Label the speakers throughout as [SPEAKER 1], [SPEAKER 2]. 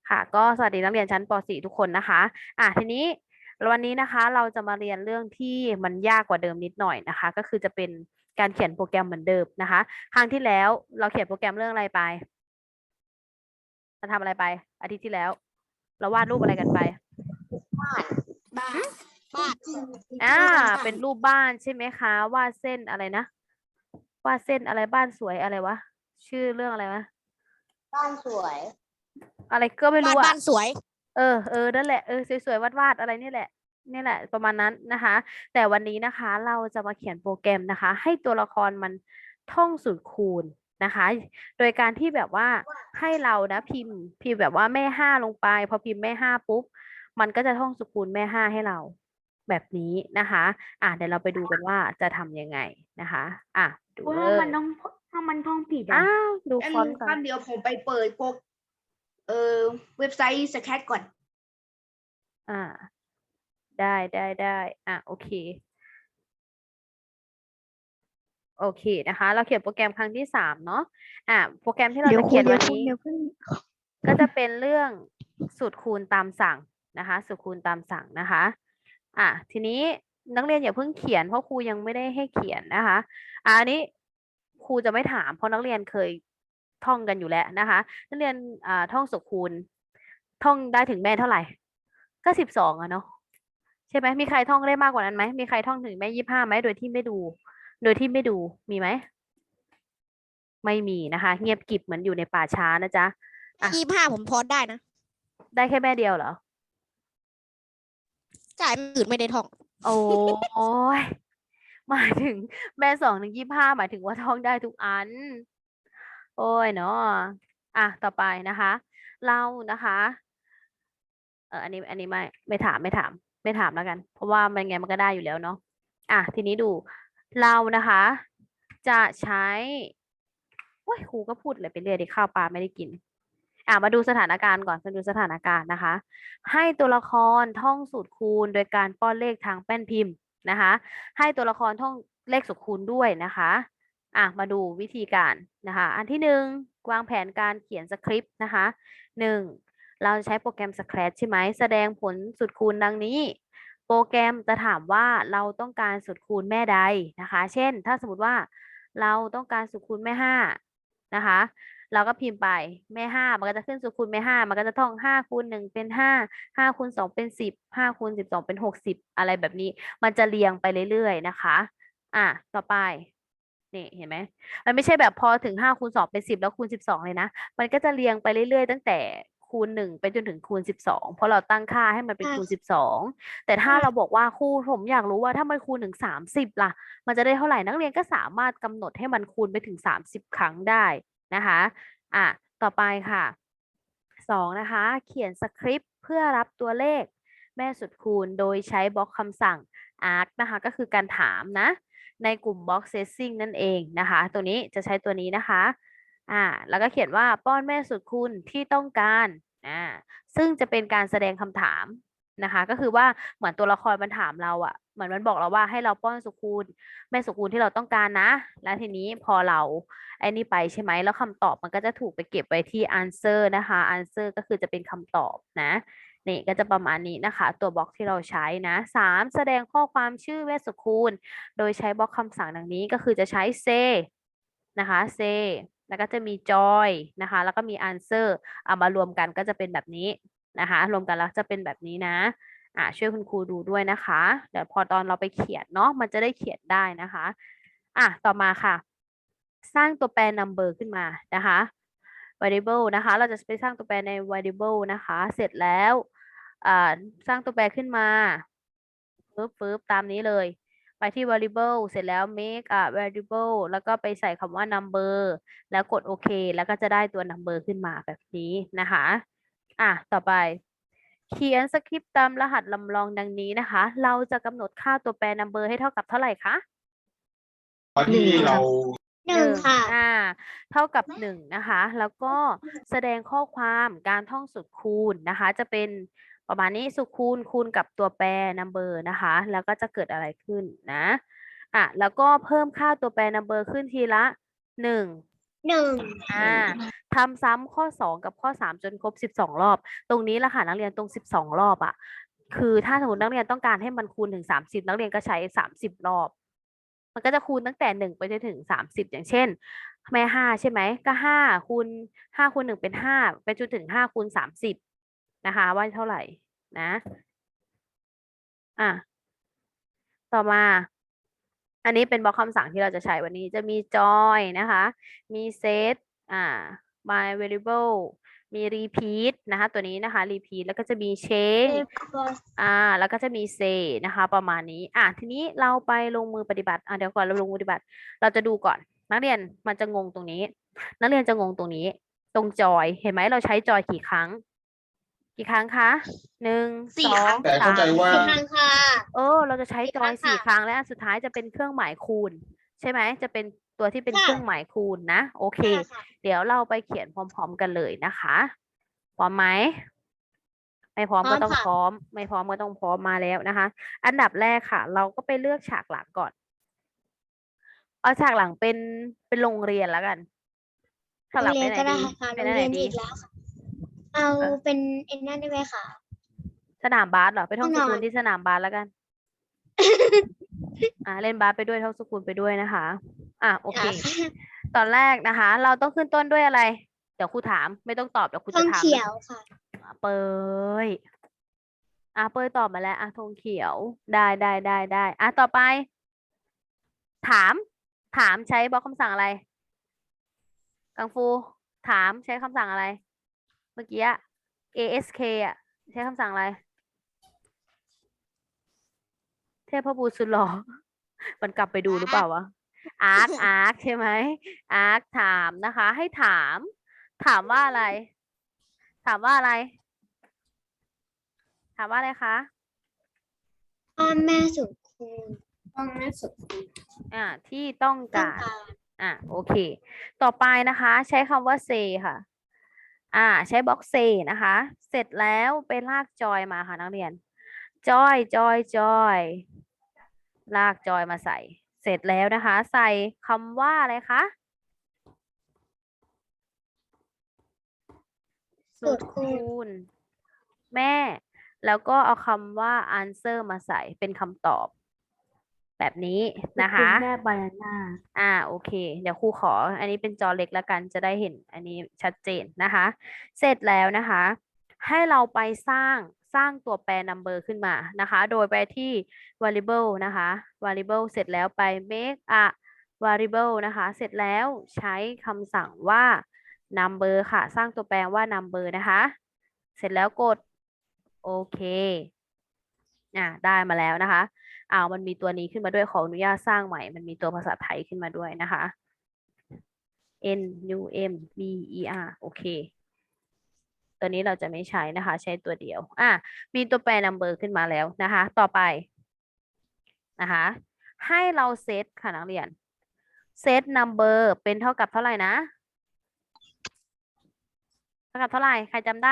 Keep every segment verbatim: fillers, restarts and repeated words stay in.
[SPEAKER 1] ค่ะก็สวัสดีนักเรียนชั้นป .สี่ ทุกคนนะคะอ่ะทีนี้วันนี้นะคะเราจะมาเรียนเรื่องที่มันยากกว่าเดิมนิดหน่อยนะคะก็คือจะเป็นการเขียนโปรแกรมเหมือนเดิมนะคะครั้งที่แล้วเราเขียนโปรแกรมเรื่องอะไรไปเราทำอะไรไปอาทิตย์ที่แล้วเราวาดรูปอะไรกันไป
[SPEAKER 2] บ้านบ้านบ้าน
[SPEAKER 1] อ่าเป็นรูปบ้านใช่ไหมคะวาดเส้นอะไรนะวาดเส้นอะไรบ้านสวยอะไรวะชื่อเรื่องอะไรวะ
[SPEAKER 2] บ้านสวย
[SPEAKER 1] อะไรก็ไม่
[SPEAKER 2] บ้า
[SPEAKER 1] รู้
[SPEAKER 2] น
[SPEAKER 1] อ่ะ
[SPEAKER 2] บ้านสวย
[SPEAKER 1] เออเออนั่นแหละเออสวยๆวาดๆอะไรนี่แหละนี่แหละประมาณนั้นนะคะแต่วันนี้นะคะเราจะมาเขียนโปรแกรมนะคะให้ตัวละครมันท่องสูตรคูณนะคะโดยการที่แบบว่าให้เรานะพิมพ์พิมพ์แบบว่าแม่ห้าลงไปพอพิมพ์แม่ห้าปุ๊บมันก็จะท่องสูตรคูณแม่ห้าให้เราแบบนี้นะคะอ่ะเดี๋ยวเราไปดูกันว่าจะทำยังไงนะคะอ่ะดูเล
[SPEAKER 3] ถ้ามัน
[SPEAKER 1] ย
[SPEAKER 3] ต้องถ้ามันท่องผิด
[SPEAKER 1] อ้า
[SPEAKER 3] อ่ะ
[SPEAKER 1] วดู
[SPEAKER 3] งั้น
[SPEAKER 1] ฟอนต์ก่อน
[SPEAKER 3] ครับเดี๋ยวผมไปเปิดโปรเอ่อเว็บไซต์สแคทก่อน
[SPEAKER 1] อ่าได้ได้ได้อ่ะโอเค โอเคนะคะ เราเขียนโปรแกรมครั้งที่สามเนาะอ่ะโปรแกรมที่เราจะเขียนวันนี้ ก็จะเป็นเรื่องสูตรคูณตามสั่งนะคะสูตรคูณตามสั่งนะคะอ่ะทีนี้นักเรียนอย่าเพิ่งเขียนเพราะครูยังไม่ได้ให้เขียนนะคะอ่ะอันนี้ครูจะไม่ถามเพราะนักเรียนเคยท่องกันอยู่แล้วนะคะนักเรียนอ่าท่องสูตรคูณท่องได้ถึงแม่เท่าไหร่ก็สิบสองอะเนาะใช่ไหมมีใครท่องได้มากกว่านั้นไหมมีใครท่องถึงแม่ยี่สิบห้าไหมโดยที่ไม่ดู โดยที่ไม่ดูมีไหมไม่มีนะคะ เงียบกริบเหมือนอยู่ในป่าช้านะจ๊ะอ่ะ
[SPEAKER 2] ยี่ห้าผมพอได้นะ
[SPEAKER 1] ได้แค่แม่เดียวเหรอ
[SPEAKER 2] จ่ายอื่นไม่ได้ท่อง
[SPEAKER 1] โอ้ยหมายถึงแม่สองถึงยี่สิบห้าหมายถึงว่าท่องได้ทุกอัน โอ้ยเนาะอ่ะต่อไปนะคะ เรานะคะเอออันนี้อันนี้ไม่ไม่ถามไม่ถามไม่ถามแล้วกัน เพราะว่ามันไงมันก็ได้อยู่แล้วเนาะอ่ะทีนี้ดูเรานะคะ จะใช้โอ้ยครูก็พูดอะไรไปเรื่อยดิข้าวปลาไม่ได้กิน อ่ะมาดูสถานการณ์ก่อนมาดูสถานการณ์นะคะ ให้ตัวละครท่องสูตรคูณโดยการป้อนเลขทางแป้นพิมพ์นะคะ ให้ตัวละครท่องเลขสูตรคูณด้วยนะคะอ่ะมาดูวิธีการนะคะ อันที่หนึ่งวางแผนการเขียนสคริปต์นะคะหนึ่งเราใช้โปรแกรม Scratch ใช่ไหมแสดงผลสูตรคูณดังนี้ โปรแกรมจะถามว่าเราต้องการสูตรคูณแม่ใดนะคะ เช่น ถ้าสมมติว่าเราต้องการสูตรคูณแม่ห้านะคะ เราก็พิมพ์ไปแม่ห้ามันก็จะขึ้นสูตรคูณแม่ห้ามันก็จะท่องห้าคูณหนึ่งเป็นห้าห้าคูณสองเป็นสิบห้าคูณสิบสองเป็นหกสิบอะไรแบบนี้ มันจะเรียงไปเรื่อยๆนะคะอ่ะต่อไปนี่เห็นไหมมันไม่ใช่แบบพอถึงห้าคูณสองเป็นสิบแล้วคูณสิบสองเลยนะมันก็จะเรียงไปเรื่อยๆตั้งแต่คูณหนึ่งไปจนถึงคูณสิบสองเพราะเราตั้งค่าให้มันเป็นคูณสิบสองแต่ถ้าเราบอกว่าครูผมอยากรู้ว่าถ้ามันคูณถึงสามสิบล่ะมันจะได้เท่าไหร่นักเรียนก็สามารถกำหนดให้มันคูณไปถึงสามสิบครั้งได้นะคะอ่ะต่อไปค่ะสองนะคะ เขียนสคริปต์เพื่อรับตัวเลขแม่สุดคูณโดยใช้บล็อกคำสั่ง ask นะคะก็คือการถามนะในกลุ่ม box setting นั่นเองนะคะตัวนี้จะใช้ตัวนี้นะคะอ่าแล้วก็เขียนว่าป้อนแม่สุดคูณที่ต้องการอ่าซึ่งจะเป็นการแสดงคำถามนะคะก็คือว่าเหมือนตัวละครมันถามเราอะเหมือนมันบอกเราว่าให้เราป้อนสุคูณแม่สุคูณที่เราต้องการนะแล้วทีนี้พอเราไอ้นี่ไปใช่ไหมแล้วคำตอบมันก็จะถูกไปเก็บไว้ที่ answer นะคะ answer ก็คือจะเป็นคำตอบนะ นี่ก็จะประมาณนี้นะคะตัวบล็อกที่เราใช้นะสามแสดงข้อความชื่อเวชสุคูณโดยใช้บล็อกคำสั่งดังนี้ก็คือจะใช้ say นะคะ say แล้วก็จะมี joy นะคะแล้วก็มี answer เอามารวมกันก็จะเป็นแบบนี้นะคะรวมกันแล้วจะเป็นแบบนี้นะอ่าช่วยคุณครูดูด้วยนะคะเดี๋ยวพอตอนเราไปเขียนเนาะมันจะได้เขียนได้นะคะอ่ะต่อมาค่ะ สร้างตัวแปร number ขึ้นมานะคะ variable นะคะเราจะไปสร้างตัวแปรใน variable นะคะเสร็จแล้วอ่าสร้างตัวแปรขึ้นมาปึ๊บปึ๊บตามนี้เลย ไปที่ variable เสร็จแล้ว make a variable แล้วก็ไปใส่คำว่า number แล้วกดโอเคแล้วก็จะได้ตัว number ขึ้นมาแบบนี้นะคะอ่ะต่อไป เขียนสคริปต์ตามรหัสลำลองดังนี้นะคะ เราจะกำหนดค่าตัวแปร number ให้เท่ากับเท่าไหร่คะ
[SPEAKER 4] ตอนที่เรา
[SPEAKER 2] หนึ่งค่ะ
[SPEAKER 1] อ่าเท่ากับหนึ่งนะคะ แล้วก็แสดงข้อความการท่องสูตรคูณนะคะ จะเป็นประมาณนี้สูตรคูณคูณกับตัวแปร number นะคะ แล้วก็จะเกิดอะไรขึ้นนะอ่ะแล้วก็เพิ่มค่าตัวแปร number ขึ้นทีละหนึ่ง
[SPEAKER 2] หนึ่ง
[SPEAKER 1] อ่าทำซ้ำข้อสองกับข้อสามจนครบสิบสองรอบ ตรงนี้แหละค่ะนักเรียนตรงสิบสองรอบอ่ะ คือถ้าสมมตินักเรียนต้องการให้มันคูณถึงสามสิบนักเรียนก็ใช้สามสิบรอบ มันก็จะคูณตั้งแต่หนึ่งไปจนถึงสามสิบอย่างเช่นแม่ห้าใช่ไหมก็ห้าคูณห้าคูณหนึ่งเป็นห้าไปจนถึงห้าคูณสามสิบนะคะว่าเท่าไหร่นะอ่ะต่อมา อันนี้เป็นบล็อกคำสั่งที่เราจะใช้วันนี้จะมี join นะคะ มี set อ่า my variable มี repeat นะคะตัวนี้นะคะ repeat แล้วก็จะมี change อ่า แล้วก็จะมี say นะคะ ประมาณนี้ อ่ะ ทีนี้เราไปลงมือปฏิบัติ อ่ะ เดี๋ยวก่อนเราลงมือปฏิบัติ เราจะดูก่อน นักเรียนมันจะงงตรงนี้ นักเรียนจะงงตรงนี้ ตรง join เห็นไหมเราใช้ join กี่ครั้ง กี่ครั้งคะหนึ่ง
[SPEAKER 2] สี่
[SPEAKER 1] สอ
[SPEAKER 2] ครั้
[SPEAKER 1] ง
[SPEAKER 2] ง
[SPEAKER 4] แต่เข้า
[SPEAKER 1] สาม
[SPEAKER 4] ใจว่า
[SPEAKER 2] สี่ครั้งค่ะ
[SPEAKER 1] เออ เราจะใช้
[SPEAKER 2] สี่
[SPEAKER 1] จ
[SPEAKER 2] ครั้
[SPEAKER 1] อย
[SPEAKER 2] ง
[SPEAKER 1] สี่
[SPEAKER 2] ค่ะ
[SPEAKER 1] ครั้งและอันสุดท้ายจะเป็นเครื่องหมายคูณ ใช่ไหม จะเป็นตัวที่เป็น
[SPEAKER 2] ค่ะ
[SPEAKER 1] เครื่องหมายคูณนะ โอเค
[SPEAKER 2] ค่ะค่ะ
[SPEAKER 1] เดี๋ยวเราไปเขียนพร้อม ๆ กันเลยนะคะ พร้อมไหม ไม่พร้อม
[SPEAKER 2] พร้
[SPEAKER 1] ก็
[SPEAKER 2] อม
[SPEAKER 1] ต้อง
[SPEAKER 2] ค่ะ
[SPEAKER 1] พร้อม ไม่พร้อมก็ต้องพร้อมมาแล้วนะคะ อันดับแรกค่ะ เราก็ไปเลือกฉากหลังก่อน เอาฉากหลังเป็นเป็นโรงเรียนแล้วกัน ฉากหลัง
[SPEAKER 2] โรง
[SPEAKER 1] ไป
[SPEAKER 2] เรียน
[SPEAKER 1] ไหน
[SPEAKER 2] ก็ได้
[SPEAKER 1] ดี
[SPEAKER 2] ค่ะ
[SPEAKER 1] ไป
[SPEAKER 2] โรง
[SPEAKER 1] ไหน
[SPEAKER 2] เรียน
[SPEAKER 1] ดี
[SPEAKER 2] อีกแล้วค่ะ เอา
[SPEAKER 1] เออ
[SPEAKER 2] เป็นไอ้นั่นได้ไหมคะ
[SPEAKER 1] สนามบาสเหรอ ไปท่อง
[SPEAKER 2] แน่
[SPEAKER 1] ส
[SPEAKER 2] นอน
[SPEAKER 1] กุลที่สนามบาสแล้วกัน อ่าเล่นบาสไปด้วยท่องสกุลไปด้วยนะคะ อ่ะโอเค
[SPEAKER 2] อ่ะ
[SPEAKER 1] ตอนแรกนะคะ เราต้องขึ้นต้นด้วยอะไร เดี๋ยวครูถาม ไม่ต้องตอบเดี๋ยวครู
[SPEAKER 2] ธ
[SPEAKER 1] จะ
[SPEAKER 2] ง
[SPEAKER 1] ถาม
[SPEAKER 2] เขียวค่ะ
[SPEAKER 1] อ่ะเปยอ่ะเปยตอบมาแล้วอ่ะธงเขียว ได้ได้ได้ได้อ่ะต่อไป ถาม ถามใช้บล็อกคำสั่งอะไร กังฟู ถามใช้คำสั่งอะไร เมื่อกี้อะ ask อ่ะ ใช้คำสั่งอะไร เทพบุตรสุดหล่อ มันกลับไปดูหรือเปล่าวะ ask ask ใช่ไหม ask ถามนะคะ ให้ถาม ถามว่าอะไร ถามว่าอะไร ถามว่าอะไรคะ
[SPEAKER 2] พ่อแม่สุดคูณพ่อแม่สุดคูณ
[SPEAKER 1] อ่า ที่ต้อง
[SPEAKER 2] ต้อง
[SPEAKER 1] การ
[SPEAKER 2] การ
[SPEAKER 1] อ่ะโอเค ต่อไปนะคะ ใช้คำว่า say ค่ะ อ่า ใช้บล็อก say นะคะ เสร็จแล้วไปลาก joy มาค่ะนักเรียน joy joy joy ลาก joy มาใส่ เสร็จแล้วนะคะ ใส่คำว่าอะไรคะ
[SPEAKER 2] สุ
[SPEAKER 1] สุ
[SPEAKER 2] ด
[SPEAKER 1] ด
[SPEAKER 2] คู
[SPEAKER 1] คู
[SPEAKER 2] ณ
[SPEAKER 1] ณ แม่ แล้วก็เอาคำว่า answer มาใส่เป็นคำตอบ แบบนี้นะคะ
[SPEAKER 3] แม่บานาน่า
[SPEAKER 1] อ่าโอเค เดี๋ยวครูขอ อันนี้เป็นจอเล็กแล้วกันจะได้เห็นอันนี้ชัดเจนนะคะ เสร็จแล้วนะคะ ให้เราไปสร้างสร้างตัวแปร number ขึ้นมานะคะ โดยไปที่ variable นะคะ variable เสร็จแล้วไป make a variable นะคะ เสร็จแล้วใช้คำสั่งว่า number ค่ะ สร้างตัวแปรว่า number นะคะ เสร็จแล้วกดโอเค อ่าได้มาแล้วนะคะ อ้าวมันมีตัวนี้ขึ้นมาด้วยขออนุญาตสร้างใหม่ มันมีตัวภาษาไทยขึ้นมาด้วยนะคะ N U M B E R โอเค ตัวนี้เราจะไม่ใช้นะคะ ใช้ตัวเดียว อ่ะมีตัวแปร number ขึ้นมาแล้วนะคะ ต่อไปนะคะ ให้เราเซตค่ะนักเรียน เซต number เป็นเท่ากับเท่าไหร่นะ เท่ากับเท่าไหร่ ใครจำได้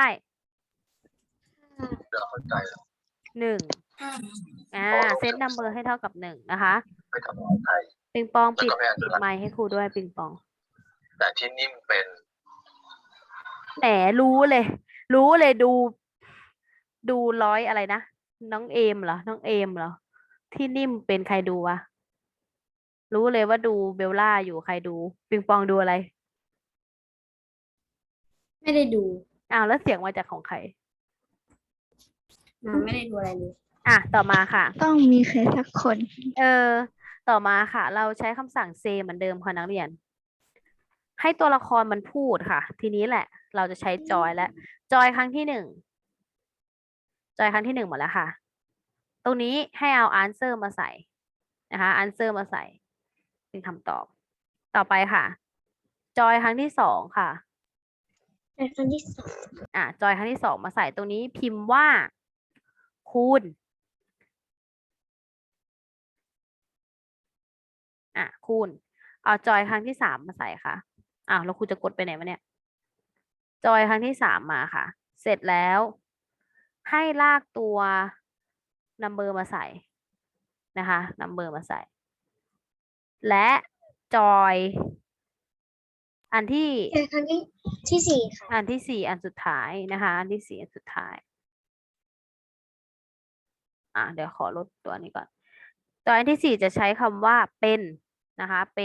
[SPEAKER 4] เราเข้าใจแล้ว
[SPEAKER 1] หนึ่ง อ่า เซต number ให้เท่ากับหนึ่งนะคะ
[SPEAKER 4] ไปทำอาหารไทย
[SPEAKER 1] ปิงปอง
[SPEAKER 4] แล้ว
[SPEAKER 1] ปิด
[SPEAKER 4] ก็ไม่อ่าน
[SPEAKER 1] ปิด
[SPEAKER 4] สลับ
[SPEAKER 1] ไมค์ให้ครูด้วยปิงปอง
[SPEAKER 4] แต่ที่นิ่มเป็น
[SPEAKER 1] แหมรู้เลย รู้เลยดู ดูร้อยอะไรนะ น้องเอมเหรอ น้องเอมเหรอ ที่นิ่มเป็นใครดูวะ รู้เลยว่าดูเบลล่าอยู่ใครดู ปิงปองดูอะไร
[SPEAKER 2] ไม่ได้ดู
[SPEAKER 1] อ้าวแล้วเสียงมาจากของใคร
[SPEAKER 2] ไม่ได้ดูอะไรเลย
[SPEAKER 1] อ่ะ ต่อมาค่ะ
[SPEAKER 3] ต้องมีใครสักคน
[SPEAKER 1] เออ ต่อมาค่ะ เราใช้คำสั่ง say เหมือนเดิมค่ะนักเรียน ให้ตัวละครมันพูดค่ะ ทีนี้แหละ เราจะใช้จอยแล้ว จอยครั้งที่หนึ่ง จอยครั้งที่หนึ่งหมดแล้วค่ะ ตรงนี้ให้เอา answer มาใส่นะคะ answer มาใส่ เป็นคำตอบ ต่อไปค่ะ จอยครั้งที่สองค่ะ
[SPEAKER 2] เป็นครั้งที่สอง
[SPEAKER 1] อ่ะ จอยครั้งที่สองมาใส่ตรงนี้พิมพ์ว่า คูณ อ่ะ คูณ เอาจอยครั้งที่สามมาใส่ค่ะ อ้าวแล้วครูจะกดไปไหนวะเนี่ย จอยครั้งที่สามมาค่ะ เสร็จแล้ว ให้ลากตัว number มาใส่นะคะ number มาใส่ และจอยอันที่
[SPEAKER 2] เป็นครั้งที่ที่สี่ค่ะ
[SPEAKER 1] อันที่สี่อันสุดท้ายนะคะ อันที่สี่อันสุดท้าย อ่ะเดี๋ยวขอลดตัวนี้ก่อน ตัวอันที่สี่จะใช้คำว่าเป็นนะคะ เป็น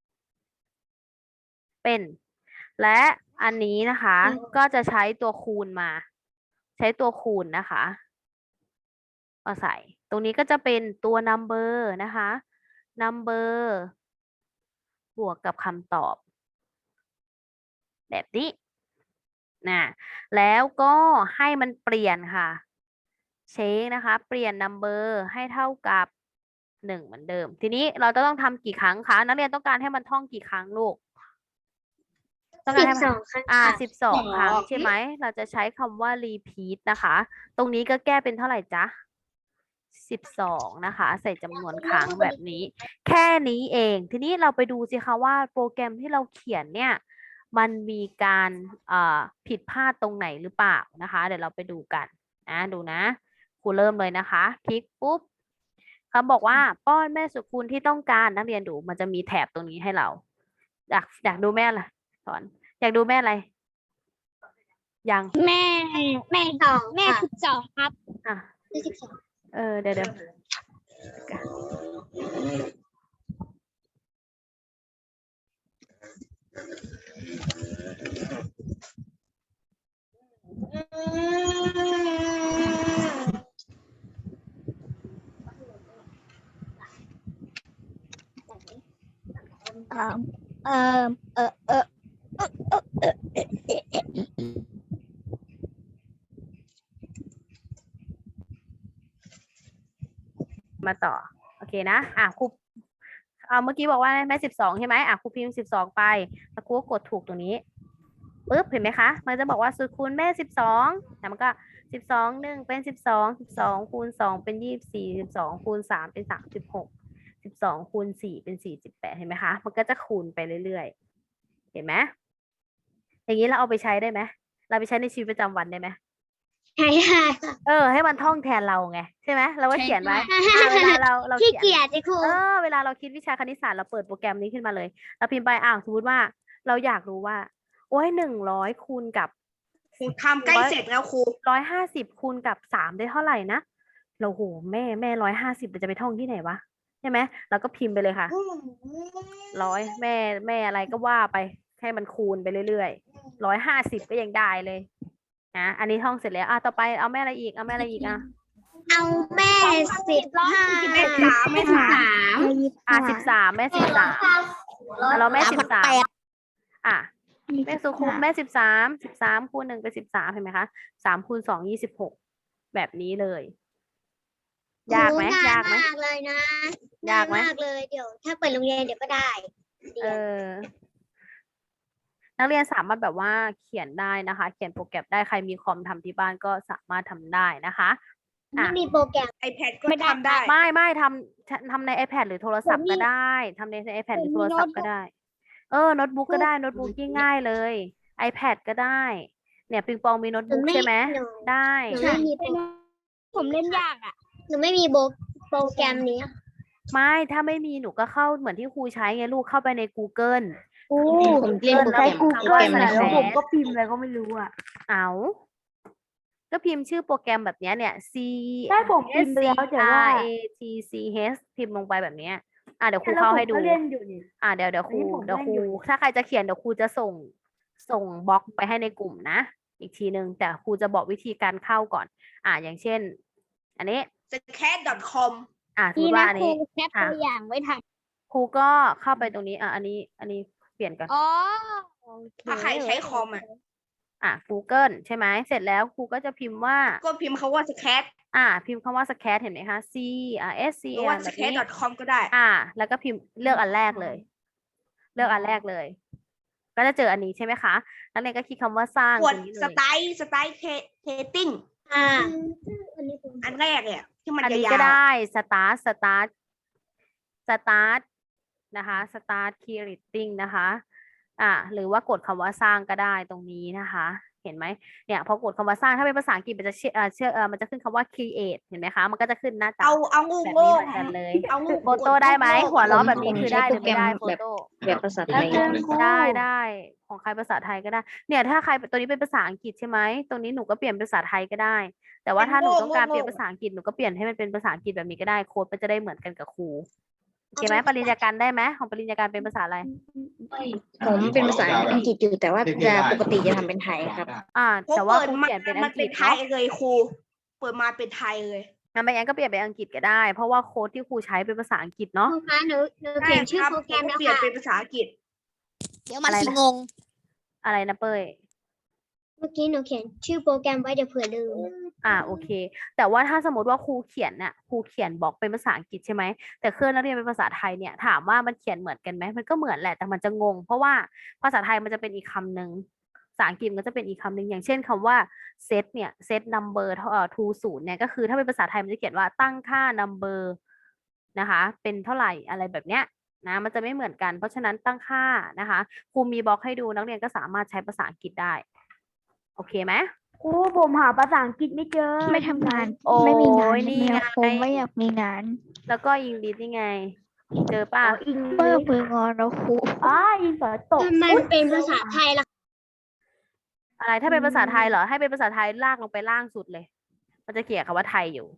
[SPEAKER 1] เป็น และอันนี้นะคะ ก็จะใช้ตัวคูณมา ใช้ตัวคูณนะคะมาใส่ ตรงนี้ก็จะเป็นตัว number นะคะ number บวกกับคำตอบ แบบนี้นะแล้วก็ให้มันเปลี่ยนค่ะ เช็คนะคะ เปลี่ยน number ให้เท่ากับหนึ่งเหมือนเดิม ทีนี้เราจะต้องทำกี่ครั้งคะนักเรียนต้องการให้มันท่องกี่ครั้งลูก ต้องการ
[SPEAKER 2] สิ
[SPEAKER 1] ให้
[SPEAKER 2] บ
[SPEAKER 1] มัน
[SPEAKER 2] สองครั้ง
[SPEAKER 1] อ่า
[SPEAKER 2] ค่ะ
[SPEAKER 1] สิบสองครั้งใช่ไหม เราจะใช้คำว่า repeat นะคะ ตรงนี้ก็แก้เป็นเท่าไหร่จ๊ะสิบสองนะคะ ใส่จำนวนครั้งแบบนี้ แค่นี้เอง ทีนี้เราไปดูสิคะว่าโปรแกรมที่เราเขียนเนี่ย มันมีการเอ่อผิดพลาดตรงไหนหรือเปล่านะคะ เดี๋ยวเราไปดูกันนะดูนะครูเริ่มเลยนะคะ คลิกปุ๊บเขาบอกว่าป้อนแม่สุคูณที่ต้องการนักเรียนดูมันจะมีแถบตรงนี้ให้เรา อยากอยากดูแม่อะไรสอนอยากดูแม่อะไร ยัง
[SPEAKER 2] แม่แม่สองแม่สิบสองครับ
[SPEAKER 1] อ่ะ
[SPEAKER 2] แม่สิบสอง
[SPEAKER 1] เออเดี๋ยวเดี๋ยว
[SPEAKER 2] เอ่อเอ่อเออเออ
[SPEAKER 1] มาต่อ โอเคนะ อ่ะครูเอาเมื่อกี้บอกว่าแม่สิบสองใช่ไหมอ่ะครูพิมพ์สิบสองไปแล้วครูก็กดถูกตรงนี้ปึ๊บเห็นไหมคะ มันจะบอกว่าสูตรคูณแม่สิบสองแล้วมันก็สิบสองหนึ่งเป็นสิบสองสิบสองคูณสองเป็นยี่สิบสี่สิบสองคูณสามเป็นสามสิบหกสิบสองคูณสี่เป็นสี่สิบแปดเห็นไหมคะ มันก็จะคูณไปเรื่อยๆ เห็นไหมอย่างนี้เราเอาไปใช้ได้ไหมเราไปใช้ในชีวิตประจำวันได้ไหม
[SPEAKER 2] ใช่ค่ะ
[SPEAKER 1] เออให้มันท่องแทนเราไงใช่ไหมเราก็เขียนไว้
[SPEAKER 2] ใช่
[SPEAKER 1] อ่าเวลาเราเรา
[SPEAKER 2] ขี้
[SPEAKER 1] เขียน
[SPEAKER 2] เกียจจะครู
[SPEAKER 1] เออเวลาเราคิดวิชาคณิตศาสตร์เราเปิดโปรแกรมนี้ขึ้นมาเลยเราพิมพ์ไปอ้าวสมมติว่าเราอยากรู้ว่า โอ้ยหนึ่งร้อยคูณกับ
[SPEAKER 3] ครูทำใกล้เสร็จแล้วครู
[SPEAKER 1] ร้อยห้าสิบคูณกับสามได้เท่าไหร่นะเราโหแม่แม่ร้อยห้าสิบจะไปท่องที่ไหนวะใช่ไหมเราก็พิมพ์ไปเลยค่ะร้อยแม่แม่อะไรก็ว่าไปให้มันคูณไปเรื่อยๆร้อยห้าสิบก็ยังได้เลยนะอันนี้ท่องเสร็จแล้วอ่ะต่อไปเอาแม่อะไรอีกเอาแม่อะไรอีกอ่ะ
[SPEAKER 2] เอาแม่สิบห้า
[SPEAKER 3] แม่สามแม่สาม
[SPEAKER 1] อ่ะสิบสามแม่สิบสามอ่ะเราแม่สิบสามอ่ะแม่สุคูณแม่สิบสามสิบสามคูณหนึ่งเป็นสิบสามเห็นไหมคะสามคูณสองยี่สิบหกแบบนี้เลย ยากไหม
[SPEAKER 2] โอ้
[SPEAKER 1] ยากไหม
[SPEAKER 2] มากเลยนะ
[SPEAKER 1] ยากไหม
[SPEAKER 2] มากเลยเดี๋ยว ถ้าเปิดโรงเรียนเดี๋ยวก็ได้
[SPEAKER 1] เออ นักเรียนสามารถแบบว่าเขียนได้นะคะ เขียนโปรแกรมได้ใครมีคอมทำที่บ้านก็สามารถทำได้นะคะ อ่ะ
[SPEAKER 2] ไม่มีโปรแกรม
[SPEAKER 3] ไอแพดก็ทำได้
[SPEAKER 1] ไม่ไม่ทำทำใน iPad หรือโทรศัพท์ก็ได้ทำใน iPad หรือโทรศัพท์ก็ได้ เออโน้ตบุ๊กก็ได้โน้ตบุ๊กง่ายๆเลย iPad ก็ได้ เนี่ยปิงปองมีโน้ตบุ๊ก
[SPEAKER 2] หนูไม่
[SPEAKER 1] ใช่ไหม
[SPEAKER 2] หนู
[SPEAKER 1] ได้
[SPEAKER 2] หนูไม่มีโปร
[SPEAKER 5] ผมเล่นยากอ่ะ
[SPEAKER 2] หนูไม่มีโปรโปรแกรมนี้
[SPEAKER 1] ไม่ถ้าไม่มีหนูก็เข้าเหมือนที่ครูใช้ไงลูกเข้าไปใน Google
[SPEAKER 5] ผมเล่นโปรแกรม
[SPEAKER 1] Google
[SPEAKER 5] โปรแกรม
[SPEAKER 1] แล้ว
[SPEAKER 5] อะไร
[SPEAKER 1] ผมก็พิมพ์อะไรก็ไม่รู้อ่ะ เอาก็พิมพ์ชื่อโปรแกรมแบบเนี้ยเนี่ย C
[SPEAKER 5] ใช่ผมพิมพ์ไปแล้วแต่ว่า
[SPEAKER 1] R A T C H พิมพ์ลงไปแบบเนี้ยอ่ะเดี๋ยวครูเข้าให้ดู
[SPEAKER 5] เล่นอยู่นี่
[SPEAKER 1] อ่ะเดี๋ยวเดี๋ยวครู
[SPEAKER 5] อันนี้ผม
[SPEAKER 1] เดี๋ยวครู
[SPEAKER 5] เล่นอยู่
[SPEAKER 1] ถ้าใครจะเขียนเดี๋ยวครูจะส่งส่งบล็อกไปให้ในกลุ่มนะ อีกทีนึงแต่ครูจะบอกวิธีการเข้าก่อน อ่ะอย่างเช่น อันนี้
[SPEAKER 3] สแคท .com
[SPEAKER 1] อ่ะสมม
[SPEAKER 5] นี่
[SPEAKER 1] ติว่า
[SPEAKER 5] นะ
[SPEAKER 1] อัน
[SPEAKER 5] ครู
[SPEAKER 1] นี้
[SPEAKER 5] แคปตัวอย่างไว้ท
[SPEAKER 1] ครูก็เข้าไปตรงนี้อ่ะอันนี้อันนี้เปลี่ยนก่อน
[SPEAKER 5] ำอ๋อโอเค
[SPEAKER 3] ถ้าใครใช้คอมอ่ะ
[SPEAKER 1] อ่ะ Google ใช่ไหมเสร็จแล้วครูก็จะพิมพ์ว่า
[SPEAKER 3] ก็พิมพ์คาว่าสแคท
[SPEAKER 1] อ่า พิมพ์คำว่า scat เห็นไหมคะ C R S C
[SPEAKER 3] หรือ
[SPEAKER 1] A
[SPEAKER 3] ว่า
[SPEAKER 1] R
[SPEAKER 3] ส
[SPEAKER 1] แบบ
[SPEAKER 3] แคท
[SPEAKER 1] นี้
[SPEAKER 3] .com ก็ได้
[SPEAKER 1] อ่า แล้วก็พิมพ์เลือกอันแรกเลย เลือกอันแรกเลย ก็จะเจออันนี้ใช่ไหมคะนักเรียนก็คลิกคำว่าสร้าง
[SPEAKER 3] ก
[SPEAKER 1] ต
[SPEAKER 3] ด
[SPEAKER 1] รงนี้เล
[SPEAKER 3] ส
[SPEAKER 1] ย
[SPEAKER 3] ไตล์สไตล์เทติ้ง
[SPEAKER 2] อ่า
[SPEAKER 3] อันแรกเนี่ยที่มัน
[SPEAKER 1] อัน
[SPEAKER 3] จะ
[SPEAKER 1] นี้
[SPEAKER 3] ยา
[SPEAKER 1] ก็
[SPEAKER 3] ว
[SPEAKER 1] ได้ start start start นะคะ start creating นะคะอ่ะหรือว่ากดคำว่าสร้างก็ได้ตรงนี้นะคะ เห็นไหมเนี่ยพอกดคำว่าสร้างถ้าเป็นภาษาอังกฤษมันจะเชื่อเอ่อเชื่อเอ่อมันจะขึ้นคำว่า create เห็นไหมคะ มันก็จะขึ้นหน้าตา
[SPEAKER 3] เอาเอางู
[SPEAKER 1] แบบ
[SPEAKER 3] โง่
[SPEAKER 1] นี้เหมือนกันเลย
[SPEAKER 3] เอางู
[SPEAKER 1] โฟโต้ได้ไหมหัวเราะแบบนี้
[SPEAKER 5] ผม
[SPEAKER 1] คือ
[SPEAKER 5] ใช้
[SPEAKER 1] ได้ห
[SPEAKER 5] โป
[SPEAKER 1] รื
[SPEAKER 5] ร
[SPEAKER 1] อ
[SPEAKER 5] แกร
[SPEAKER 1] ไม่
[SPEAKER 5] ม
[SPEAKER 1] ได้โฟ
[SPEAKER 5] แบบ
[SPEAKER 1] โต้
[SPEAKER 5] แบบภาษาไทย
[SPEAKER 1] ได้ได้ของใครภาษาไทยก็ได้ เนี่ยถ้าใครตัวนี้เป็นภาษาอังกฤษใช่ไหมตรงนี้หนูก็เปลี่ยนเป็นภาษาไทยก็ได้ แต่ว่าถ้าหนูต้องการเปลี่ยนภาษาอังกฤษหนูก็เปลี่ยนให้มันเป็นภาษาอังกฤษแบบนี้ก็ได้โค้ดมันจะได้เหมือนกันกับครูโอเคไหมปริญญาการได้ไหมของปริญญาการเป็นภาษาอะไร
[SPEAKER 5] ผมเป็นภาษาอังกฤษอยู่แต่ว่าจะปกติจะทำเป็นไทยครับ
[SPEAKER 1] อ่า
[SPEAKER 3] ผม
[SPEAKER 1] แต่ว่า
[SPEAKER 3] เปิด
[SPEAKER 1] ครู
[SPEAKER 3] มา
[SPEAKER 1] เปลี่ยนเป็น
[SPEAKER 3] มั
[SPEAKER 1] อั
[SPEAKER 3] น
[SPEAKER 1] งก
[SPEAKER 3] เป็
[SPEAKER 1] ฤ
[SPEAKER 3] น
[SPEAKER 1] ษ
[SPEAKER 3] ไทย
[SPEAKER 1] เนาะ
[SPEAKER 3] เลยครูเปิดมาเป็นไทยเลย
[SPEAKER 1] งั้นไม่งั้นก็เปลี่ยนเป็นอังกฤษก็ได้ เพราะว่าโค้ดที่ครูใช้เป็นภาษาอังกฤษเนาะ
[SPEAKER 2] ครูคะหนูหนู
[SPEAKER 3] ใช่
[SPEAKER 2] เขียนชื่อ
[SPEAKER 3] ครับ
[SPEAKER 2] โปรแกรม
[SPEAKER 3] ผม
[SPEAKER 2] แล้ว
[SPEAKER 3] เปลี่ยน
[SPEAKER 2] ค่ะ
[SPEAKER 3] เป็นภาษาอังกฤษ
[SPEAKER 5] เดี๋ยวมัน
[SPEAKER 1] อะไร
[SPEAKER 5] สิ
[SPEAKER 1] นะ
[SPEAKER 5] งง
[SPEAKER 1] อะไรนะเป้ย
[SPEAKER 2] เมื่อกี้หนูเขียนชื่อโปรแกรมไว้เดี๋ยวเผื่อลืม
[SPEAKER 1] อ่าโอเค แต่ว่าถ้าสมมติว่าครูเขียนน่ะครูเขียนบอกเป็นภาษาอังกฤษใช่ไหมแต่เครื่องนักเรียนเป็นภาษาไทยเนี่ยถามว่ามันเขียนเหมือนกันไหมมันก็เหมือนแหละแต่มันจะงง เพราะว่าภาษาไทยมันจะเป็นอีกคำหนึ่งภาษาอังกฤษมันก็จะเป็นอีกคำหนึ่งอย่างเช่นคำว่า set เนี่ย set number เท่าเอ่อ to ศูนย์เนี่ยก็คือถ้าเป็นภาษาไทยมันจะเขียนว่าตั้งค่า number นะคะเป็นเท่าไหร่อะไรแบบเนี้ยนะมันจะไม่เหมือนกัน เพราะฉะนั้นตั้งค่านะคะครูมีบล็อกให้ดูนักเรียนก็สามารถใช้ภาษาอังกฤษได้โอเคไหม
[SPEAKER 6] ครูผมหาภาษาอังกฤษไม่เจอ
[SPEAKER 7] ไม่ทำงาน
[SPEAKER 1] โอ้
[SPEAKER 7] ไม่มีงาน
[SPEAKER 1] ยนี่
[SPEAKER 7] ไม่
[SPEAKER 1] ไง
[SPEAKER 7] ผมไม่อยากมีงาน
[SPEAKER 1] แล้วก็อิงลิสนี่ไง เจอป่ะ
[SPEAKER 6] อิง
[SPEAKER 7] เปิดมืองอนแล้วครู
[SPEAKER 6] อ้าอิงสอตก
[SPEAKER 2] มันเป็นภาษาไทยละ
[SPEAKER 1] อะไรถ้าเป็นภาษาไทยเหรอ ให้เป็นภาษาไทยลากลงไปล่างสุดเลย มันจะเขียนคำว่าไทยอยู่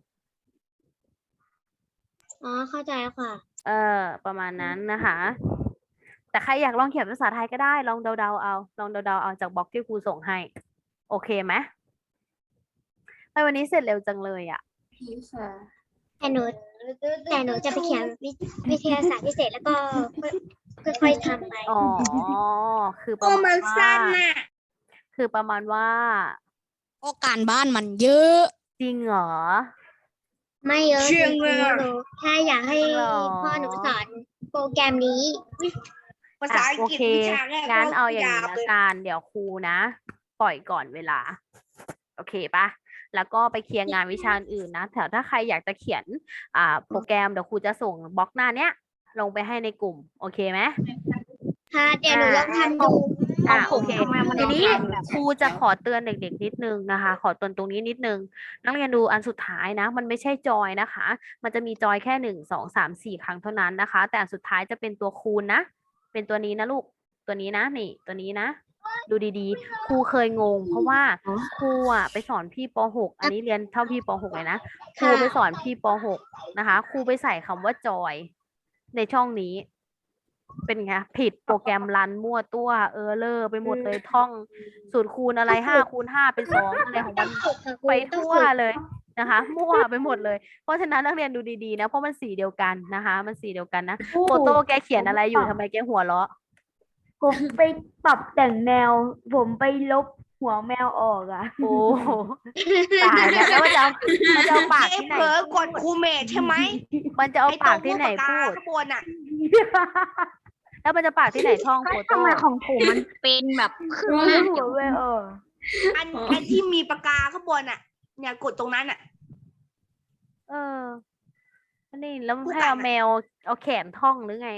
[SPEAKER 2] อ๋อเข้าใจแล้วค่ะ
[SPEAKER 1] เออ ประมาณนั้นนะคะ แต่ใครอยากลองเขียนภาษาไทยก็ได้ ลองเดาๆเอา ลองเดาๆเอาจากบล็อกที่ครูส่งให้ โอเคไหมทำไมวันนี้เสร็จเร็วจังเลยอ่ะ
[SPEAKER 2] แต่หนูแต่หนูจะไปเขียนวิวิทยาศาสตร์พิเศษแล้วก็ค่อยๆทำไป
[SPEAKER 1] อ๋อ คือประ
[SPEAKER 3] โอ้
[SPEAKER 1] มา
[SPEAKER 3] มั
[SPEAKER 1] ณ
[SPEAKER 3] น
[SPEAKER 1] ว่า
[SPEAKER 3] สั้นน่ะ
[SPEAKER 1] คือประมาณว่า
[SPEAKER 5] โอการบ้านมันเยอะ
[SPEAKER 1] จริงเหรอ
[SPEAKER 2] ไม่เยอะ
[SPEAKER 3] เชื่
[SPEAKER 2] จ
[SPEAKER 3] อ
[SPEAKER 2] ริง
[SPEAKER 3] เลย
[SPEAKER 2] ๆหนูแค่อยากให้
[SPEAKER 1] จริงเหรอ
[SPEAKER 2] พ่อหนูสอนโปรแกรมนี้
[SPEAKER 3] ภาษาอัง
[SPEAKER 1] โอก
[SPEAKER 3] ฤษ
[SPEAKER 1] เค
[SPEAKER 3] วิชาแรก
[SPEAKER 1] งั้น
[SPEAKER 3] ก็
[SPEAKER 1] เอาอย่าง
[SPEAKER 3] ยา
[SPEAKER 1] นี้
[SPEAKER 3] ว
[SPEAKER 1] ละ
[SPEAKER 3] เลย
[SPEAKER 1] กันเดี๋ยวครูนะ ปล่อยก่อนเวลา โอเคปะแล้วก็ไปเคลียร์งานวิชาอื่นนะแต่ถ้าใครอยากจะเขียน อ่า โปรแกรมเดี๋ยวครูจะส่งบล็อกหน้าเนี้ย ลงไปให้ในกลุ่ม โอเคไหม
[SPEAKER 2] ค่ะเดี๋ยวหนูลองทำดู
[SPEAKER 1] อ่าโอเคทีนี้ครูจะขอเตือนเด็กๆนิดนึงนะคะ ขอเตือนตรงนี้นิดนึง นักเรียนดูอันสุดท้ายนะ มันไม่ใช่จอยนะคะ มันจะมีจอยแค่หนึ่งสองสามสี่ครั้งเท่านั้นนะคะ แต่อันสุดท้ายจะเป็นตัวคูณนะ เป็นตัวนี้นะลูก ตัวนี้นะนี่ ตัวนี้นะ ดูดีๆ ครูเคยงง เพราะว่าครูอ่ะไปสอนพี่ป หก อันนี้เรียนเท่าพี่ป หก เลยนะ ครูไปสอนพี่ป หก นะคะ ครูไปใส่คำว่าจอย ในช่องนี้ เป็นไงผิดโปรแกรมรันมั่วตัวเออเลอร์ไปหมดเลยท่องสูตรคูณอะไรห้าคูณห้าเป็นสองอะไรของมัน
[SPEAKER 2] ฝึกค่ะครู
[SPEAKER 1] ไป
[SPEAKER 2] ต้อง
[SPEAKER 1] ทั่ว
[SPEAKER 2] ฝึก
[SPEAKER 1] เลยนะคะ มั่วไปหมดเลย เพราะฉะนั้นนักเรียนดูดีๆนะเพราะมันสีเดียวกันนะคะ มันสีเดียวกันนะโฟโต้แกเขียนอะไรอยู่ทำไมแกหัวเราะ
[SPEAKER 6] ผมไปปรับแต่งแนว ผมไปลบหัวแมวออกอ่ะ
[SPEAKER 1] โอ้โหตายแล้วแล้วมันจะเอามันจะเอาปาก
[SPEAKER 3] เอ้
[SPEAKER 1] ที่ไหน
[SPEAKER 3] เผลอกดครูเมทใช่ไหม
[SPEAKER 1] มันจะเอา
[SPEAKER 3] ไอ้ตร
[SPEAKER 1] ปาก
[SPEAKER 3] ง
[SPEAKER 1] ที่
[SPEAKER 3] รูป
[SPEAKER 1] ไหน
[SPEAKER 3] ปากกา
[SPEAKER 1] พูด
[SPEAKER 3] ข้างบนอ่ะ
[SPEAKER 1] แล้วมันจะปากที่ไหนท่องโฟโต้
[SPEAKER 5] ทำไมของผมมันเป็นแบบครึ่ง
[SPEAKER 6] หั
[SPEAKER 5] หน้า
[SPEAKER 6] วแมวออก
[SPEAKER 3] อันอันที่มีปากกาข้างบนอ่ะ เนี่ยกดตรงนั้นอ่ะ
[SPEAKER 1] เอออันนี้แล้ว
[SPEAKER 3] พูด
[SPEAKER 1] ให้
[SPEAKER 3] กัน
[SPEAKER 1] เอา
[SPEAKER 3] อะ
[SPEAKER 1] แมวเอาแขนท่องหรือไง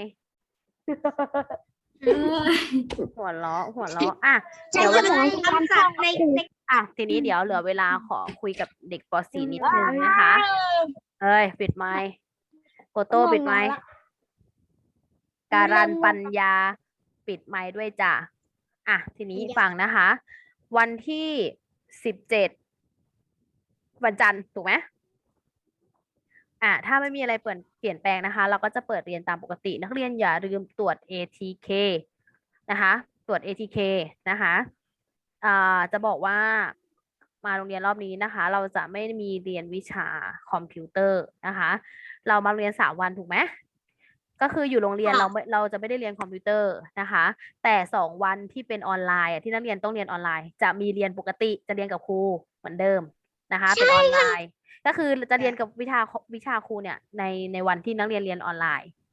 [SPEAKER 1] หัวเราะหัวเราะอ่ะ
[SPEAKER 2] ใช่
[SPEAKER 1] เดี๋ยว
[SPEAKER 2] ไหม
[SPEAKER 1] วันนี้
[SPEAKER 3] คำศัพท์ในใน
[SPEAKER 1] อ่ะทีนี้เดี๋ยวเหลือเวลาขอคุยกับเด็กป .สี่ นิดนึงนะคะ เอ้ย ปิดไมค์โฟโต้ปิดไมค์การันปัญญา ปิดไมค์ด้วยจ้ะอ่ะ ทีนี้ฟังนะคะ วันที่สิบเจ็ดวันจันทร์ถูกไหมอ่ะถ้าไม่มีอะไรเปลี่ยนเปลี่ยนแปลงนะคะ เราก็จะเปิดเรียนตามปกติ นักเรียนอย่าลืมตรวจ เอ ที เค นะคะ ตรวจ เอ ที เค นะคะอ่าจะบอกว่ามาโรงเรียนรอบนี้นะคะ เราจะไม่มีเรียนวิชาคอมพิวเตอร์นะคะ เรามาเรียนสามวันถูกไหมก็คืออยู่โรงเรียนเราไม่เราจะไม่ได้เรียนคอมพิวเตอร์นะคะ แต่สองวันที่เป็นออนไลน์อ่ะที่นักเรียนต้องเรียนออนไลน์ จะมีเรียนปกติจะเรียนกับครูเหมือนเดิมนะคะ เป็นออนไลน์ ก็คือจะเรียนกับวิชาวิชาครูเนี่ยในในวันที่นักเรียนเรียนออนไลน์ ก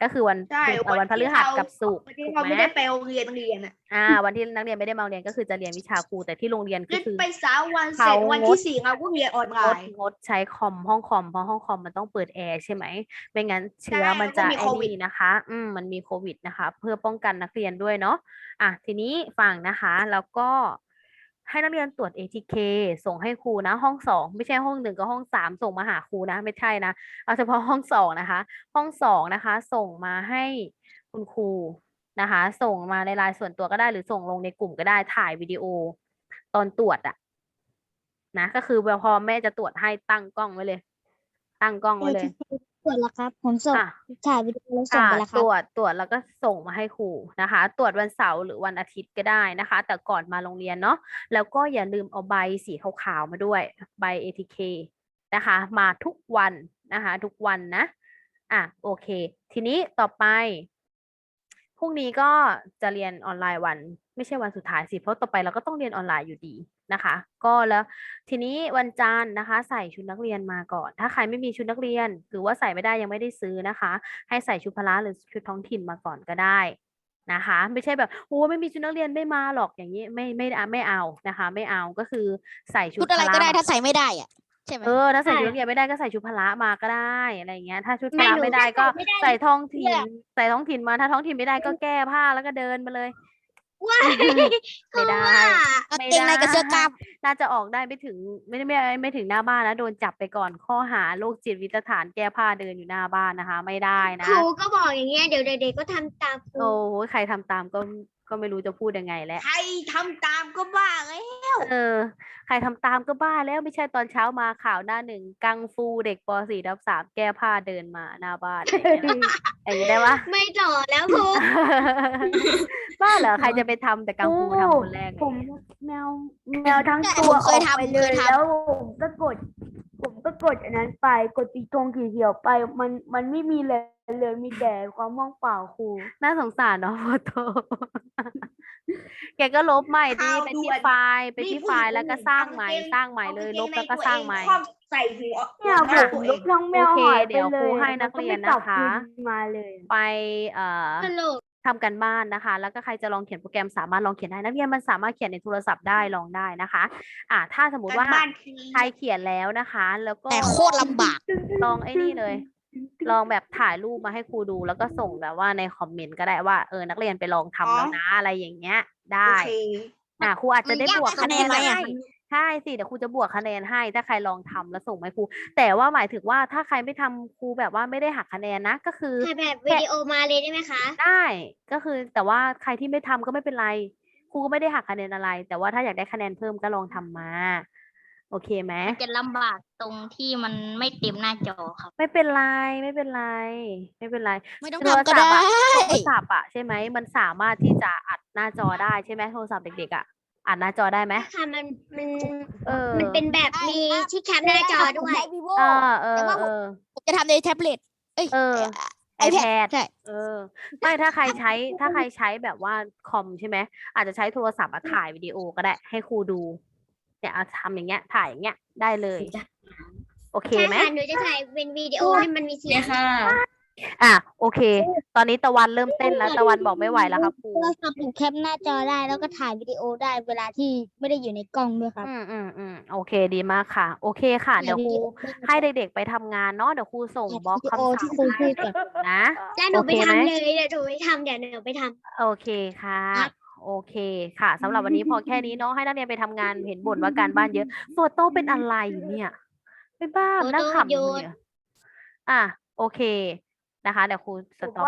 [SPEAKER 1] ก็คือวัน
[SPEAKER 3] ใช่
[SPEAKER 1] พุธเอ่อวันพฤหัสกับศุกร์
[SPEAKER 3] วันที่
[SPEAKER 1] ถูก
[SPEAKER 3] เรา
[SPEAKER 1] ไหม
[SPEAKER 3] ไม่ได้ไปโรงเรียนเรียนอ่ะ
[SPEAKER 1] อ่า วันที่นักเรียนไม่ได้มาโรงเรียนก็คือจะเรียนวิชาครูแต่ที่โรงเรียนก็
[SPEAKER 3] เล่น
[SPEAKER 1] คือ
[SPEAKER 3] ไปสามวันเสร็จ
[SPEAKER 1] เขา
[SPEAKER 3] วันที่สี่เราก็เรียนออนไล
[SPEAKER 1] งด
[SPEAKER 3] น์
[SPEAKER 1] งดใช้คอมห้องคอมเพราะห้องคอมมันต้องเปิดแอร์ใช่ไหมไม่งั้นเชื้อ
[SPEAKER 3] ใช่
[SPEAKER 1] มันจะ
[SPEAKER 3] แล้วก็มี
[SPEAKER 1] ไอ้
[SPEAKER 3] โควิด
[SPEAKER 1] นี่นะคะ อืมมันมีโควิดนะคะ เพื่อป้องกันนักเรียนด้วยเนาะอ่ะทีนี้ฟังนะคะ แล้วก็ให้นักเรียนตรวจ เอ ที เค ส่งให้ครูนะ ห้องสองไม่ใช่ห้องหนึ่งกับห้องสามส่งมาหาครูนะ ไม่ใช่นะเอาเฉพาะห้องสองนะคะ ห้องสองนะคะ ส่งมาให้คุณครูนะคะ ส่งมาในไลน์ส่วนตัวก็ได้หรือส่งลงในกลุ่มก็ได้ถ่ายวิดีโอตอนตรวจอะนะก็คือพอแม่จะตรวจให้ตั้งกล้องไว้เลย ตั้งกล้องไว้เลย
[SPEAKER 2] ตรวจแล้วครับ ผมส่ง
[SPEAKER 1] อ่ะ
[SPEAKER 2] ถ่ายวิดีโอแล้วส่ง
[SPEAKER 1] อ่า
[SPEAKER 2] ไปแล้วค
[SPEAKER 1] ต
[SPEAKER 2] รับ
[SPEAKER 1] รวจตรวจแล้วก็ส่งมาให้ครูนะคะ ตรวจวันเสาร์หรือวันอาทิตย์ก็ได้นะคะ แต่ก่อนมาโรงเรียนเนาะแล้วก็อย่าลืมเอาใบสีขาวๆมาด้วยใบ เอ ที เค นะคะ มาทุกวันนะคะ ทุกวันนะอ่ะโอเค ทีนี้ต่อไปพรุ่งนี้ก็จะเรียนออนไลน์วันไม่ใช่วันสุดท้ายสิเพราะต่อไปเราก็ต้องเรียนออนไลน์อยู่ดีนะคะ ก็แล้วทีนี้วันจันทร์นะคะ ใส่ชุดนักเรียนมาก่อน ถ้าใครไม่มีชุดนักเรียน หรือว่าใส่ไม่ได้ยังไม่ได้ซื้อนะคะ ให้ใส่ชุดพละหรือชุดท้องถิ่นมาก่อนก็ได้นะคะ ไม่ใช่แบบโอ้ไม่มีชุดนักเรียนไม่มาหรอกอย่างนี้ไม่ไม่ไม่เอานะคะ ไม่เอาก็คือใส่ชุด
[SPEAKER 5] ชุดอะไร
[SPEAKER 1] พละ
[SPEAKER 5] ก็ได้
[SPEAKER 1] มา
[SPEAKER 5] ถ้าใส่ไม่ได้อ่ะใช่ไหม
[SPEAKER 1] เออถ้าใส่
[SPEAKER 2] ใช่
[SPEAKER 1] ชุดนักเรียนไม่ได้ก็ใส่ชุดพละมาก็ได้อะไรอย่างเงี้ย ถ้าชุดพ
[SPEAKER 2] ไม่
[SPEAKER 1] ละ
[SPEAKER 2] หนู
[SPEAKER 1] ไม่ได้ก็
[SPEAKER 2] ไม่ได้
[SPEAKER 1] ใส่ท้องถิ่น
[SPEAKER 2] เนี่ย
[SPEAKER 1] ใส่ท้องถิ่นมาถ้าท้องถิ่นไม่ได้ก็แก้ผ้าแล้วก็เดินมาเลย
[SPEAKER 2] ว้าย
[SPEAKER 1] ไม่ได้
[SPEAKER 5] กาง
[SPEAKER 1] ไม่
[SPEAKER 5] เกงในกับเสื้อกล้าม
[SPEAKER 1] น่าจะออกได้ไม่ถึงไม่ไม่ไม่ไม่ถึงหน้าบ้านนะโดนจับไปก่อนข้อหาโรคจิตวิตฐานแก้ผ้าเดินอยู่หน้าบ้านนะคะ ไม่ได้
[SPEAKER 2] ค
[SPEAKER 1] นะ
[SPEAKER 2] รูก็บอกอย่างเงี้ยเดี๋ยวเด็กๆก็ทำตามครู
[SPEAKER 1] โอ้โหใครทำตามก็ก็ไม่รู้จะพูดยังไงแล้ว
[SPEAKER 3] ใครทำตามก็บ้าเลย
[SPEAKER 1] เออ ใครทำตามก็บ้าแล้วไม่ใช่ตอนเช้ามาข่าวหน้าหนึ่งกังฟูเด็กป .สี่ ทับสามแก้ผ้าเดินมาหน้าบ้านอะไรอย่างเงี้ยนะอย่างนี้ได้ปะ
[SPEAKER 2] ไม่ต่อแล้วครู
[SPEAKER 1] บ้าเหรอใครจะไปทำแต่กังฟูทำคนแรก
[SPEAKER 6] ผม
[SPEAKER 1] เนี่ย
[SPEAKER 6] แมวแมวทั้ง
[SPEAKER 5] ใช่
[SPEAKER 6] ตัว
[SPEAKER 5] ผมเค
[SPEAKER 6] อย อก
[SPEAKER 5] ทำ
[SPEAKER 6] ไปเลย
[SPEAKER 5] เคยทำ
[SPEAKER 6] แล้วผมก็กด ผมก็กดอันนั้นไปกดตีธงขีเขียวไป มันมันไม่มีเลยเลยมีแต่ความว่างเปล่าครู
[SPEAKER 1] น่าสงสารเนาะโฟโต้ แกก็ลบใหม่ดิ
[SPEAKER 3] ข่าว
[SPEAKER 1] ไป
[SPEAKER 3] ด่
[SPEAKER 1] ที่
[SPEAKER 3] วน
[SPEAKER 1] ไฟล์ไป
[SPEAKER 3] นี่
[SPEAKER 1] ที่
[SPEAKER 3] ผู้
[SPEAKER 1] ไฟ
[SPEAKER 3] หญิ
[SPEAKER 1] ล์
[SPEAKER 3] ง
[SPEAKER 1] แล้วก็
[SPEAKER 3] คนหนึ่ง
[SPEAKER 1] สร้าง
[SPEAKER 3] เอา
[SPEAKER 1] ใหม่
[SPEAKER 3] กางเกง
[SPEAKER 1] สร้างใหม่
[SPEAKER 3] เอา
[SPEAKER 1] เลย
[SPEAKER 3] กาง
[SPEAKER 1] ล
[SPEAKER 3] เก
[SPEAKER 1] บ
[SPEAKER 3] งใน
[SPEAKER 1] แล้วก็
[SPEAKER 3] ตัว
[SPEAKER 1] สร้าง
[SPEAKER 3] เอง
[SPEAKER 1] ใหม่
[SPEAKER 3] ครอบใส่หัว
[SPEAKER 6] เนี่ย
[SPEAKER 3] หัวห
[SPEAKER 6] ผ
[SPEAKER 3] น้าม ตัว
[SPEAKER 6] ล
[SPEAKER 3] เอง
[SPEAKER 6] บทั้งแมว
[SPEAKER 1] โอเค
[SPEAKER 6] หายไป
[SPEAKER 1] เดี๋ยว
[SPEAKER 6] เล
[SPEAKER 1] ครู
[SPEAKER 6] ย
[SPEAKER 1] ให้
[SPEAKER 6] มั
[SPEAKER 1] นัก
[SPEAKER 6] ก็
[SPEAKER 1] เรียน
[SPEAKER 6] ไม่กลับ
[SPEAKER 1] นะคะ
[SPEAKER 6] คืนมาเลย
[SPEAKER 1] ไปเอ่อ
[SPEAKER 2] ตลก
[SPEAKER 1] ทำกันบ้านนะคะ แล้วก็ใครจะลองเขียนโปรแกรมสามารถลองเขียนได้นักเรียนมันสามารถเขียนในโทรศัพท์ได้ลองได้นะคะ อ่าถ้าสมมติ
[SPEAKER 3] การ
[SPEAKER 1] ว่า
[SPEAKER 3] บ้านที
[SPEAKER 1] ใครเขียนแล้วนะคะ แล้วก็
[SPEAKER 5] แต่โคตรลำบาก
[SPEAKER 1] ลองไอ้นี่เลย ลองแบบถ่ายรูปมาให้ครูดูแล้วก็ส่งแบบว่าในคอมเมนต์ก็ได้ว่าเออนักเรียนไปลองทำแล้วนะอะไรอย่างเงี้ย ได้
[SPEAKER 3] โอเค
[SPEAKER 1] อ่าครูอาจจะได้
[SPEAKER 5] มันยาก
[SPEAKER 1] บวก
[SPEAKER 5] คะแนนไหมอะ
[SPEAKER 1] ให้ใช่สิเดี๋ยวครูจะบวกคะแนนให้ ถ้าใครลองทำแล้วส่งมาให้ครู แต่ว่าหมายถึงว่าถ้าใครไม่ทำครูแบบว่าไม่ได้หักคะแนนนะ ก็คือ
[SPEAKER 2] ถ่ายแบบวิดีโอมาเลยได้ไหมคะ
[SPEAKER 1] ได้ก็คือแต่ว่าใครที่ไม่ทำก็ไม่เป็นไร ครูก็ไม่ได้หักคะแนนอะไร แต่ว่าถ้าอยากได้คะแนนเพิ่มก็ลองทำมา โอเคไหม
[SPEAKER 8] มันจะลำบากตรงที่มันไม่เต็มหน้าจอครับ
[SPEAKER 1] ไม่เป็นไรไม่เป็นไร ไม่เป็นไร
[SPEAKER 5] ไม่ต้อง
[SPEAKER 1] โทร
[SPEAKER 5] ทำก็
[SPEAKER 1] ศัพ
[SPEAKER 5] ได้
[SPEAKER 1] ท์อะโทรศัพท์อะใช่ไหมมันสามารถที่จะอัดหน้าจอได้ใช่ไหมโทรศัพท์เด็กๆอะอัดหน้าจอได้ไหม
[SPEAKER 2] ค่ะมันมัน
[SPEAKER 1] เออ
[SPEAKER 2] มันเป็นแบบมีที่แคปหน้าจอด้วย
[SPEAKER 1] เออเออ
[SPEAKER 5] แต่ว่า
[SPEAKER 1] เออ
[SPEAKER 5] ผมจะทำในแท็บเล็ต เอ้ย
[SPEAKER 1] เออ
[SPEAKER 5] ไอแพ
[SPEAKER 1] iPad
[SPEAKER 5] ดใช่
[SPEAKER 1] เออ ไม่ถ้าใครใช้ถ้าใครใช้แบบว่าคอมใช่ไหมอาจจะใช้โทรศัพท์มาถ่ายวิดีโอก็ได้ให้ครูดู เนี่ยเอาทำอย่างเงี้ย ถ่ายอย่างเงี้ยได้เลย โอเค
[SPEAKER 2] ใช่
[SPEAKER 1] ไหม
[SPEAKER 2] ค่ะหนูจะถ่ายเป็นวิดีโอให้มันมีเสียง
[SPEAKER 1] อ่ะโอเค ตอนนี้ตะวันเริ่มเต้นแล้วตะวันบอกไม่ไหวแล้วครับครู
[SPEAKER 2] โทรศัพท์หนูแคปหน้าจอได้แล้วก็ถ่ายวิดีโอได้เวลาที่ไม่ได้อยู่ในกล้องด้วยครับ
[SPEAKER 1] อืมอืมอืมโอเคดีมากค่ะ โอเคค่ะ เดี๋ยวครูให้เด็กๆไปทำงานเนาะเดี๋ยวครูส่งบล็อก
[SPEAKER 2] วิดี
[SPEAKER 1] คำ
[SPEAKER 2] โอ
[SPEAKER 1] สั่
[SPEAKER 2] ที่
[SPEAKER 1] ง
[SPEAKER 2] ครูพู
[SPEAKER 1] ให้
[SPEAKER 2] ดก่อน
[SPEAKER 1] นะ
[SPEAKER 2] แล้วหนูไป
[SPEAKER 1] โอเคไหม
[SPEAKER 2] ทำเลยเดี๋ยวหนูไปทำเดี๋ยวหนูไปทำ
[SPEAKER 1] โอเคค่ะ
[SPEAKER 2] ครับ
[SPEAKER 1] โอเคค่ะสำหรับวันนี้พอแค่นี้เนาะให้นักเรียนไปทำงานเห็นบ่นว่าการบ้านเยอะโฟโต้เป็นอะไรเนี่ยไม่บ้า
[SPEAKER 2] โฟโต้
[SPEAKER 1] นั่งขำ
[SPEAKER 2] โย
[SPEAKER 1] อยู่
[SPEAKER 2] น
[SPEAKER 1] เนี่ยอ่ะโอเคนะคะ เดี๋ยวครูสต็อป